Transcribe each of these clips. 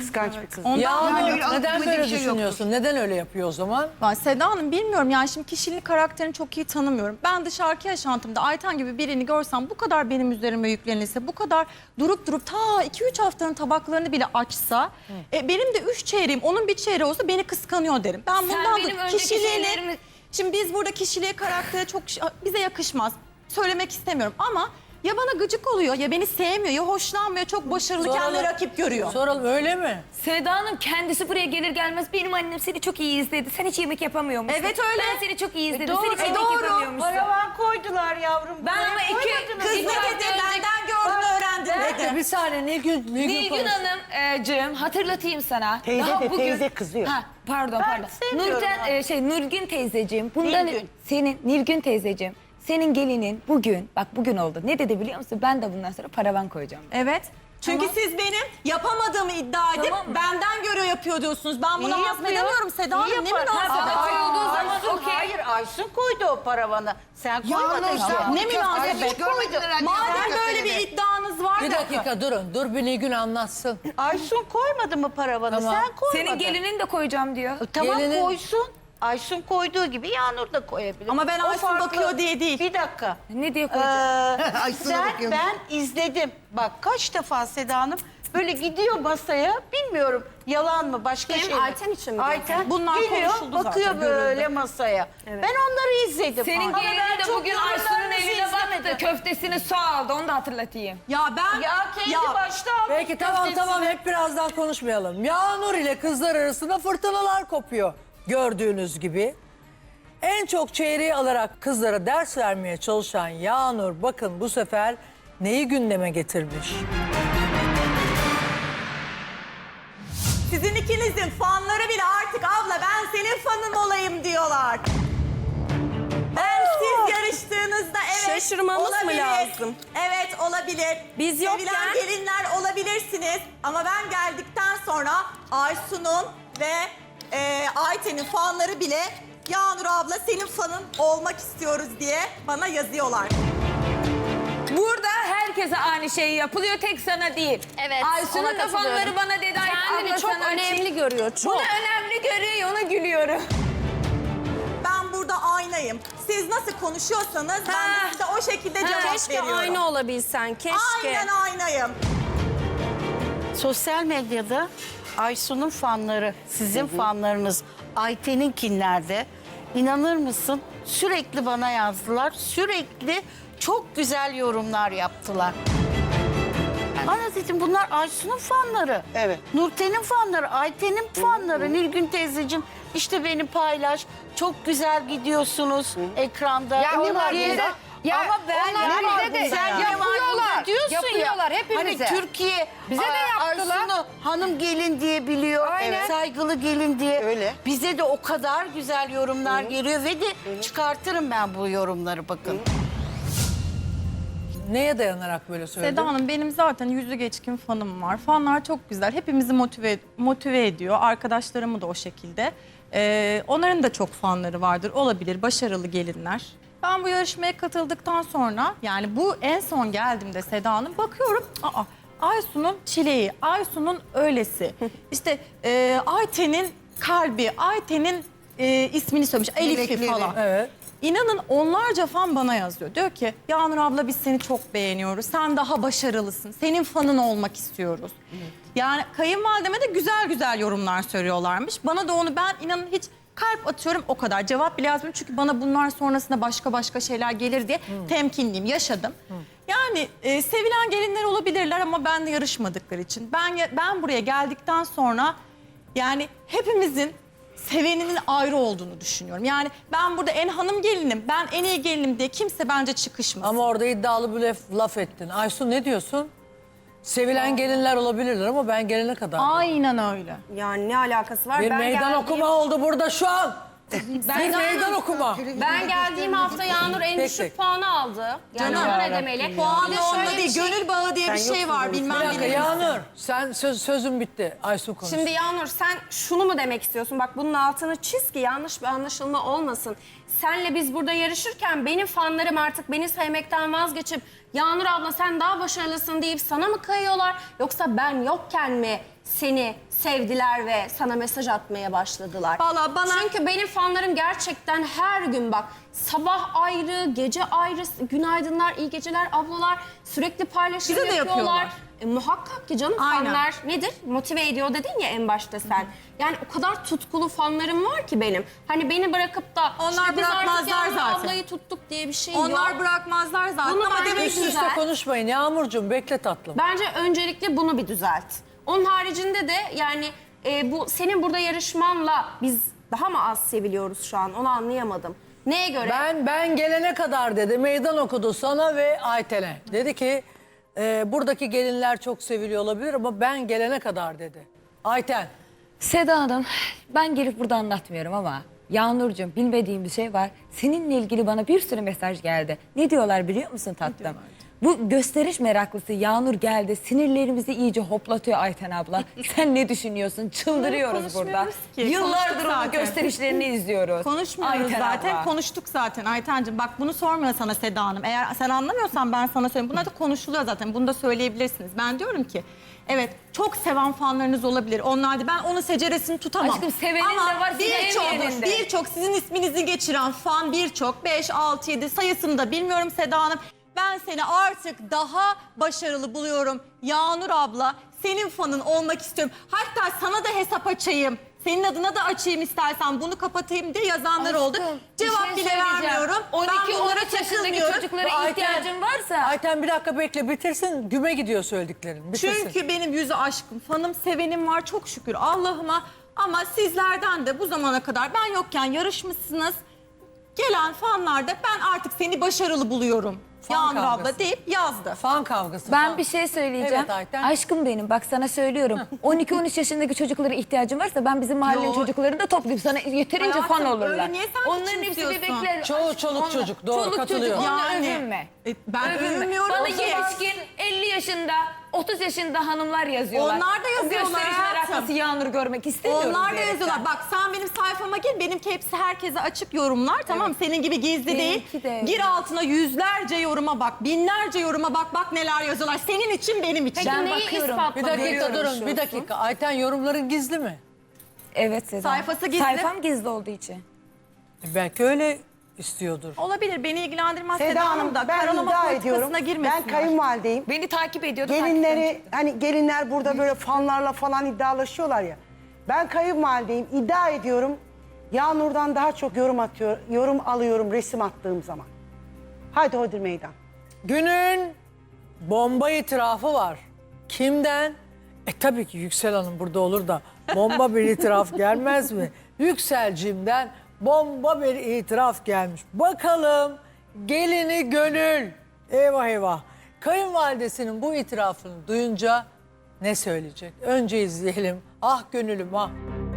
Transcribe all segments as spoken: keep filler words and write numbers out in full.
kıskanç bir kız. Ondan Ya yani, neden böyle şey düşünüyorsun? yoktur. Neden öyle yapıyor o zaman? ben Seda Hanım bilmiyorum yani şimdi kişiliğini, karakterini çok iyi tanımıyorum. Ben dışarıki yaşantımda Ayten gibi birini görsem bu kadar benim üzerime yüklenilse, bu kadar durup durup ta iki üç haftanın tabaklarını bile açsa, e, benim de üç çeyreğim, onun bir çeyreği olsa beni kıskanıyor derim. Ben bundan benim da önceki kişiliğini... şeylerimi- Şimdi biz burada kişiliğe, karaktere çok bize yakışmaz. Söylemek istemiyorum ama ya bana gıcık oluyor, ya beni sevmiyor, ya hoşlanmıyor, çok başarılı, kendine rakip görüyor. Soralım öyle mi? Seda Hanım kendisi buraya gelir gelmez benim annem seni çok iyi izledi. Sen hiç yemek yapamıyor musun? Evet, öyle. Ben seni çok iyi izledim. doğru, Sen hiç e, yemek doğru. yapamıyormuşsun. Paravan koydular yavrum. Ben Buraya ama iki- koymadınız. Kız ne İki dedi? hafta önce- Benden gördün, öğrendin dedi. Bir saniye Nilgün, Nilgün, Nilgün konuş. Hanımcığım hatırlatayım sana. Teyze Daha de, bugün... teyze kızıyor. Ha, pardon Ben pardon. sevmiyorum Nurten, abi. e, şey Nurgün teyzeciğim. Bundan Nilgün. senin Nilgün teyzeciğim. Senin gelinin bugün, bak bugün oldu. Ne dedi biliyor musun? Ben de bundan sonra paravan koyacağım. Evet. Çünkü Tamam. siz benim yapamadığımı iddia edip Tamam mı? benden göre yapıyor diyorsunuz. Ben bunu İyi hazmedemiyorum yapıyor. Seda Hanım. İyi Ne yapar. münasebet? Ha, koyulduğu zaman Aysun, okey. Hayır Aysun koydu o paravanı. Sen koymadın. Nur, ki. sen- ne münasebet? Aysun koydu. Madem böyle bir iddianız var Bir da. dakika durun. Dur bir Nilgün anlatsın. Aysun koymadı mı paravanı? Tamam. Sen koymadın. Senin gelinin de koyacağım diyor. E, Tamam Gelinin- koysun. Aysun koyduğu gibi Yağnur da koyabilir. Ama ben O Aysun farklı. bakıyor diye değil. Bir dakika. Ne diye Ee, koyacağım? Aysun'a sen, bakıyorum. ben izledim. Bak kaç defa Seda Hanım böyle gidiyor masaya. Bilmiyorum yalan mı başka Kim? şey mi? Ayten için mi Ayten Bunlar geliyor konuşuldu bakıyor zaten, böyle görüldü. masaya. Ben onları izledim. Senin Ama ben gelinin de çok bugün yorumlarınızı Aysun'un eline izlemedim. baktı. Köftesini su aldı. Onu da hatırlatayım. Ya ben... Ya kendi başta almış Peki tamam köftesini. tamam hep birazdan konuşmayalım. Yağnur ile kızlar arasında fırtınalar kopuyor. Gördüğünüz gibi. En çok çeyreği alarak kızlara ders vermeye çalışan Yağnur bakın bu sefer neyi gündeme getirmiş? Sizin ikinizin fanları bile artık abla ben senin fanın olayım diyorlar. Ben siz yarıştığınızda evet Şaşırmamız mı olabilir. lazım? Evet olabilir. Biz Sevilen yokken- gelinler olabilirsiniz. Ama ben geldikten sonra Aysun'un ve e, Ayten'in fanları bile Yağnur abla senin fanın olmak istiyoruz diye bana yazıyorlar. Burada herkese aynı şey yapılıyor. Tek sana değil. Evet, ona Aysun'un da katılıyorum. fanları bana dedi. "Ay, Kendini abla çok sana önemli açayım." görüyor, çok. Bunu önemli görüyor. Ona gülüyorum. Ben burada aynayım. Siz nasıl konuşuyorsanız ben Ha. de size o şekilde cevap Keşke veriyorum. aynı olabilsen, keşke. Aynen aynayım. Sosyal medyada Aysun'un fanları, sizin fanlarınız Ayten'inkinlerde inanır mısın? Sürekli bana yazdılar. Sürekli çok güzel yorumlar yaptılar. Bana dedim bunlar Aysun'un fanları. Evet. Nurten'in fanları, Ayten'in fanları. Nilgün teyzeciğim işte beni paylaş. Çok güzel gidiyorsunuz ekranda. Ya ne var Diye- bunda? Ya Ama ben onlar ne var bize de bunda sen ya? yapıyorlar, diyorsun yapıyorlar ya. hepimize. Hani Türkiye Bize de Aa, yaptılar. Aysun'u hanım gelin diye biliyor. Aynen. Saygılı gelin diye. Öyle. Bize de o kadar güzel yorumlar geliyor ve de çıkartırım ben bu yorumları bakın. Neye dayanarak böyle söyledin? Seda Hanım benim zaten yüzü geçkin fanım var. Fanlar çok güzel. Hepimizi motive motive ediyor. Arkadaşlarımı da o şekilde. Ee, onların da çok fanları vardır. Olabilir. Başarılı gelinler. Ben bu yarışmaya katıldıktan sonra yani bu en son geldiğimde Seda Hanım bakıyorum. Aa, Aysun'un çileği, Aysun'un öylesi. İşte e, Ayten'in kalbi, Ayten'in e, ismini söylemiş. Elif'i Melekleri. falan. Evet. İnanın onlarca fan bana yazıyor. Diyor ki Yağnur abla biz seni çok beğeniyoruz. Sen daha başarılısın. Senin fanın olmak istiyoruz. Yani kayınvalideme de güzel güzel yorumlar söylüyorlarmış. Bana da onu ben inanın hiç kalp atıyorum o kadar. Cevap bile yazmıyorum. Çünkü bana bunlar sonrasında başka başka şeyler gelir diye temkinliyim. Yaşadım. Yani e, sevilen gelinler olabilirler ama ben de yarışmadıkları için. Ben ben buraya geldikten sonra yani hepimizin seveninin ayrı olduğunu düşünüyorum. Yani ben burada en hanım gelinim, ben en iyi gelinim diye kimse bence çıkışmasın. Ama orada iddialı bir laf, laf ettin. Aysun ne diyorsun? Sevilen gelinler olabilirler ama ben gelene kadar. Aynen öyle. Yani ne alakası var? Bir ben meydan geldiğim- okuma oldu burada şu an. bir meydan okuma. Ben geldiğim hafta Yağnur en Tek düşük tek. puanı aldı. Yani Canım. ona ne demeli? Puan Bir de onda şöyle değil, bir şey- gönül bağı diye bir şey var. Bir Bilmem dakika ne. Yağnur sen söz, sözün bitti. Aysun konuş. Şimdi Yağnur sen şunu mu demek istiyorsun? Bak bunun altını çiz ki yanlış bir anlaşılma olmasın. Senle biz burada yarışırken benim fanlarım artık beni sevmekten vazgeçip Yağnur abla sen daha başarılısın deyip sana mı kayıyorlar? Yoksa ben yokken mi seni sevdiler ve sana mesaj atmaya başladılar. Vallahi bana- Çünkü benim fanlarım gerçekten her gün bak sabah ayrı, gece ayrı, günaydınlar, iyi geceler ablalar sürekli paylaşım Bize de yapıyorlar. yapıyorlar. E, muhakkak ki canım Aynen. fanlar nedir? Motive ediyor dedin ya en başta sen. Yani o kadar tutkulu fanlarım var ki benim. Hani beni bırakıp da Onlar işte biz artık bırakmazlar Yağmur zaten. ablayı tuttuk diye bir şey Onlar yok. bırakmazlar zaten Bunu ama bence demek Üst ki üste güzel. konuşmayın Yağmurcuğum, bekle tatlım. Bence öncelikle bunu bir düzelt. Onun haricinde de yani e, bu senin burada yarışmanla biz daha mı az seviliyoruz şu an onu anlayamadım. Neye göre? Ben ben gelene kadar dedi, meydan okudu sana ve Ayten'e. Dedi ki e, buradaki gelinler çok seviliyor olabilir ama ben gelene kadar dedi. Ayten. Seda Hanım, ben gelip burada anlatmıyorum ama Yağnurcuğum bilmediğim bir şey var. Seninle ilgili bana bir sürü mesaj geldi. Ne diyorlar biliyor musun tatlım? Bu gösteriş meraklısı Yağnur geldi. Sinirlerimizi iyice hoplatıyor Ayten abla. Sen ne düşünüyorsun? Çıldırıyoruz burada. konuşmuyoruz ki. Yıllardır Konuştuk onun zaten. gösterişlerini izliyoruz. konuşmuyoruz Ayten zaten. abla. Konuştuk zaten Aytencığım. Bak bunu sormuyor sana Seda Hanım. Eğer sen anlamıyorsan ben sana söyleyeyim. Bunlar da konuşuluyor zaten. Bunu da söyleyebilirsiniz. Ben diyorum ki evet çok seven fanlarınız olabilir. Onlar da ben onun seceresini tutamam. Aşkım, sevenin Ama de var, birçok sevmeyenin de. birçok sizin isminizi geçiren fan birçok beş altı yedi sayısını da bilmiyorum Seda Hanım. Ben seni artık daha başarılı buluyorum. Yağnur abla senin fanın olmak istiyorum. Hatta sana da hesap açayım. Senin adına da açayım istersen bunu kapatayım diye yazanlar oldu. bir Cevap şey bile söyleyeceğim. vermiyorum. on iki Ben bunlara on üç yaşındaki takılmıyorum. çocuklara Ayten- ihtiyacın varsa... Ayten bir dakika bekle, bitirsin. Güme gidiyor söylediklerin. Bitirsin. Çünkü benim yüzü aşkım, fanım, sevenim var çok şükür Allah'ıma. Ama sizlerden de bu zamana kadar ben yokken yarışmışsınız. Gelen fanlar da ben artık seni başarılı buluyorum. Fan Yağmur kavgası. abla deyip yazdı. Fan kavgası. Ben fan. bir şey söyleyeceğim. Evet Ayten. Aşkım benim bak sana söylüyorum. on iki on üç yaşındaki çocuklara ihtiyacın varsa ben bizim mahallenin Yo. çocuklarını da toplayıp sana yeterince Hayatım, fan olurlar. öyle niye sen Onların hepsi küçümsüyorsun? bebekler. Çoğu çoluk Onlar- çocuk, doğru, çoluk katılıyorum. çocuk onunla Yani, övünme. e, ben Övünme. övünmüyorum Bana ki. yetişkin elli yaşında otuz yaşında hanımlar yazıyorlar. Onlar da O yazıyorlar gösteriş hayatım. meraklısı Yağnur görmek istemiyorum. Onlar da diyerekten. yazıyorlar. Bak sen benim sayfama gir. Benimki hepsi herkese açık yorumlar. Tamam senin gibi gizli Benimki değil. de. Gir altına yüzlerce yoruma bak. Binlerce yoruma bak. Bak neler yazıyorlar. Senin için benim için. Peki Ben neyi bakıyorum. ispatla Bir dakika görüyorum durun, şu bir an? dakika. Ayten yorumların gizli mi? Evet Seda. Sayfası gizli. Sayfam gizli olduğu için. E, belki öyle istiyordur. Olabilir. Beni ilgilendirmez. Seda Seda Hanım Hanım da ben karalama iddia politikasına ediyorum. Ben girmesinler. kayınvalideyim. Beni takip ediyordu. takipten Gelinleri çıktı. hani gelinler burada böyle fanlarla falan iddialaşıyorlar ya. Ben kayınvalideyim. İddia ediyorum. Yağnur'dan daha çok yorum atıyor, yorum alıyorum resim attığım zaman. Haydi Hodri meydan. Günün bomba itirafı var. Kimden? E tabii ki Yüksel Hanım burada olur da bomba bir itiraf gelmez mi? Yükselcimden bomba bir itiraf gelmiş. Bakalım gelini Gönül. Eyvah eyvah. Kayınvalidesinin bu itirafını duyunca ne söyleyecek? Önce izleyelim. Ah gönülüm ah.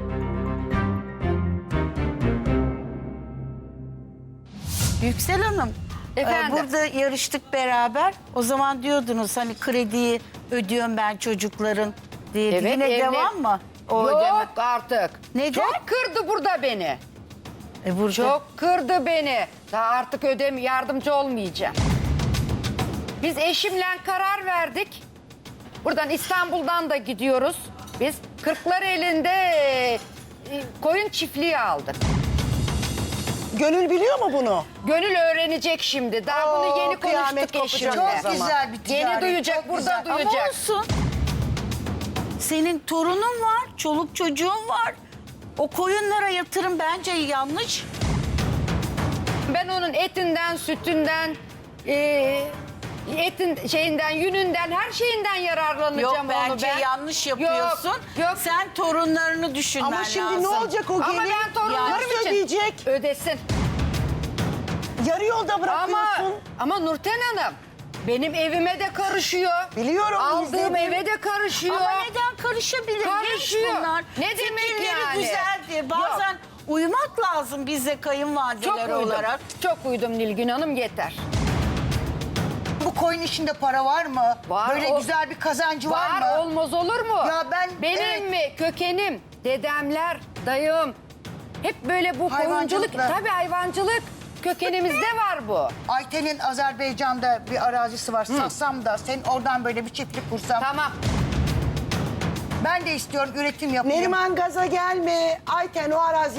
Yüksel Hanım, e, Efendim? burada yarıştık beraber. O zaman diyordunuz hani krediyi ödüyorum ben çocukların diye. Evet, Yine evli- devam mı? O Yok ödeme- artık. Neden? Çok kırdı burada beni. E, burada Çok kırdı beni. Daha artık ödem yardımcı olmayacağım. Biz eşimle karar verdik. Buradan İstanbul'dan da gidiyoruz. Biz Kırklareli'nde e, koyun çiftliği aldık. Gönül biliyor mu bunu? Gönül öğrenecek şimdi. Daha bunu Oo, yeni kıyamet konuştuk kopacak eşimle. o zaman. Güzel bir Yeni ticaret, duyacak, çok burada güzel. ama duyacak. olsun. Senin torunun var, çoluk çocuğun var. O koyunlara yatırım bence yanlış. Ben onun etinden, sütünden, e, etin şeyinden, yününden, her şeyinden yararlanacağım Yok onu bence ben. yanlış yapıyorsun. Yok, yok. Sen torunlarını düşünmen Ama şimdi lazım. ne olacak o Ama gelin? ben torunlarım Nasıl için ödeyecek? ödesin. Yarı yolda Ama bırakıyorsun. ama Nurten Hanım benim evime de karışıyor. Biliyorum, Aldığım izledim. eve de karışıyor. Ama neden karışabilir? Karışıyor. Genç bunlar. Ne demek Fikirleri yani? güzeldi. Bazen uyumak lazım bize Çok kayınvalideler uydum. olarak. Çok uydum Nilgün Hanım yeter. Bu koyun işinde para var mı? Var, Böyle o- güzel bir kazancı var, Var mı? olmaz olur mu? Ya ben- Benim evet. mi kökenim, dedemler, dayım hep böyle bu koyunculuk. Hayvancılıkla. Tabii hayvancılık kökenimizde var bu. Ayten'in Azerbaycan'da bir arazisi var. Satsam da sen oradan böyle bir çiftlik kursam. Tamam. Ben de istiyorum üretim yapayım. Neriman gaza gelme. Ayten o arazi